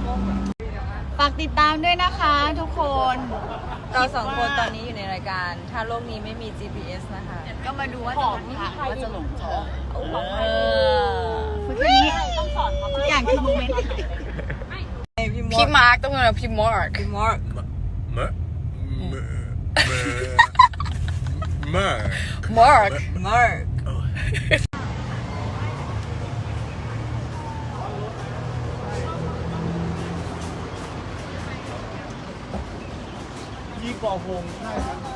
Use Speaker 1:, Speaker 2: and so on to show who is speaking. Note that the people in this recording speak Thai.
Speaker 1: ฝากติดตามด้วยนะคะทุกคน
Speaker 2: เราสองคนตอนนี้อยู่ในรายการถ้าโลกนี้ไม่มี GPS นะคะ
Speaker 1: ก็มาดูว่าจะหลงทางว่าจะหลงเธอคือแค่นี้ทุกอย่างคือโมเมนต์
Speaker 2: พี่มาร์กต้องเป็นพี่มาร์กพี่มาร์กมาร์ก
Speaker 3: ยี่ก่อหงใช่ครับ